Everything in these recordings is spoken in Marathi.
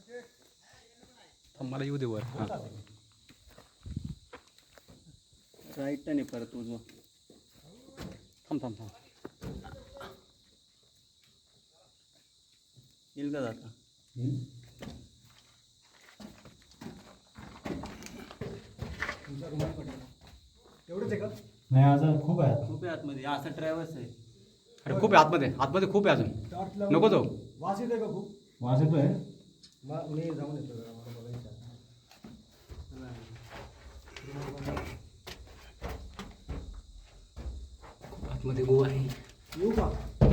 मला येऊ दे वर. राईट नाही परत उजवा. थांब थांब थांब. येईल का जाता? एवढंच आहे का? नाही अजून खूप आहे. खूप आहे आतमध्ये. असा ट्रॅव्हल्स आहे. अरे खूप आहे आतमध्ये, आतमध्ये खूप आहे अजून. टॉर्च लावून नको जाऊ. वास येतोय का खूप? वास येतोय. मी जाऊन येतो जरा, मला बघायचं आहे. आतमध्ये गोवा आहे. येऊ का?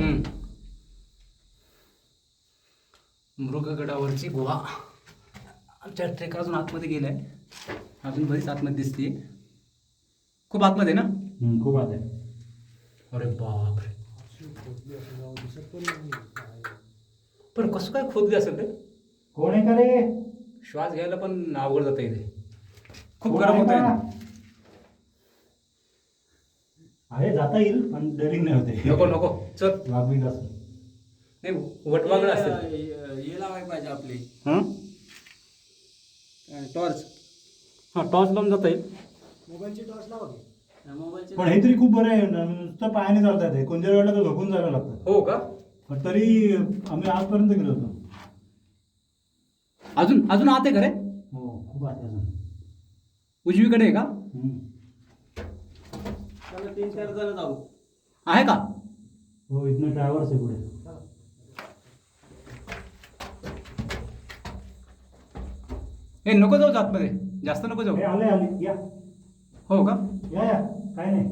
मृगगडावरची गुहा. आमच्या ट्रेक अजून आतमध्ये गेलाय. अजून बरीच आतमध्ये दिसते. खूप आतमध्ये ना? खूप आत आहे. अरे बापरे. दिसत पण नाही काय. पण कसं काय खोदली असेल रे? कोण आहे का रे? श्वास घ्यायला पण अवघड जातं इथे. खूप कोण गरम आहे होतंय. का? आहे जाता येईल पण डरिंग नाही होते. नको नको चल. वाघ असं. नाही वटवागड असते. हे लावायला पाहिजे आपली हां टॉर्च. हां टॉर्च लावून जाता येईल. मोबाईलची टॉर्च लावा की. मोबाईलचे पण हे तरी खूप बरं आहे. नुसतं पायाने चालता येते. कोणत्या वेळेला तर झोपून जायला लागतं. हो का? पण तरी आम्ही आजपर्यंत गेलो होतो. अजून अजून आत आहे घरे. हो खूप आत आहे अजून. उजवीकडे आहे का? त्याला 3-4 जण जाऊ. आहे का? हो इथनं ट्रॅव्हल्स आहे पुढे. हे नको जाऊ आतमध्ये. जास्त नको जाऊ. हे आले आले या हो का? या या काय नाही.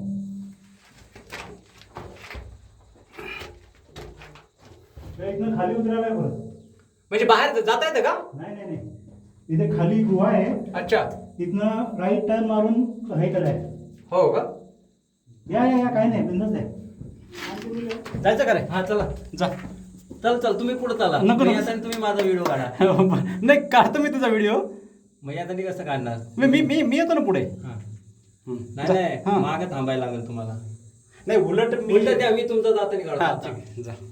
हे इथनं खाली उतरायला आहे परत. म्हणजे बाहेर जाता येतं का? नाही नाही नाही. इथे खाली गुहा आहे. अच्छा. तिथनं राईट टर्न मारून हे करायचं. हो का? या या या काय नाही बिंदास आहे. जायचं का रे? हा चला जा. चल तुम्ही पुढे चला. नको, मी नको. आता तुम्ही माझा व्हिडिओ काढा. नाही काढतो मी तुझा व्हिडिओ. मग आता मी कसं काढणार? मी येतो ना पुढे. नाही नाही हां. मागे थांबायला लागेल तुम्हाला. नाही उलट उलट द्या, मी तुमचा जाताना हा, काढतो. ठीक आहे, जा.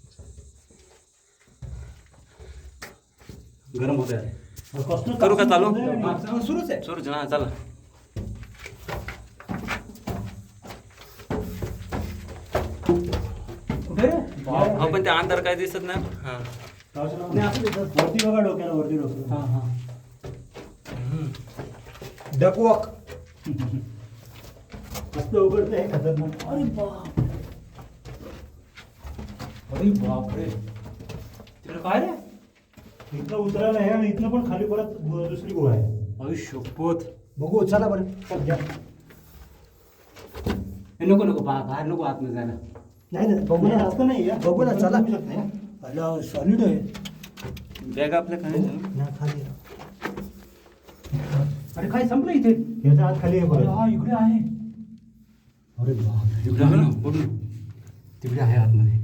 गरम होत आहे. करू का चालू? सुरूच आहे. सुरूच ना चला. कुठे रे? हो पण त्या अंधार काय दिसत नाही. हा नाही असं देतात. वरती बघा डोक्याला वरती डोक्याला. हा हा. डकवॉक. मस्त उघडतं आहे खतरनाक. अरे बाप. अरे बापरे. तिकडे काय रे? इथनं उतरायला आहे आणि इथनं पण खाली परत दुसरी गुहा आहे. अरे शपथ. बघू चला बरं. या. हे नको नको बाहेर नको आतमध्ये जायला. नाही नाही बघू ना. जास्त नाही या. बघू ना चला. बघू शकता या. अला सॉलिड आहे. बॅग आपल्या काय ना खाली. अरे काय संपलं इथे? याच्या आत खाली आहे अरे परत. हा इकडे आहे. अरे बाप. इकडे आहे ना बघ ना. तिकडे आहे आतमध्ये.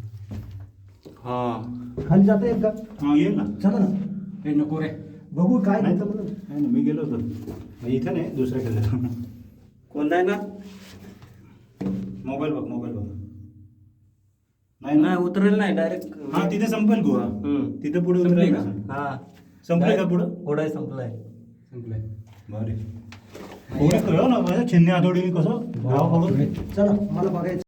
हा खाली जाता येत का? हा येईल ना. चला ना. हे नको रे. बघू काय नाही नाही तर तर नाही ना मी गेलो होतो. इथं नाही दुसऱ्या केलं. कोणता आहे ना? मोबाईल बघ मोबाईल बघ. नाही उतरेल नाही डायरेक्ट. हा तिथे संपेल गुहा. तिथे पुढे संपली उतरेल का? का? हा संपले का पुढं? घोडा संपलाय. संपलंय. बरे. पुढे कळव ना माझ्या छिन्नी आठवडी कसं गाव पडून. चला मला बघायचं.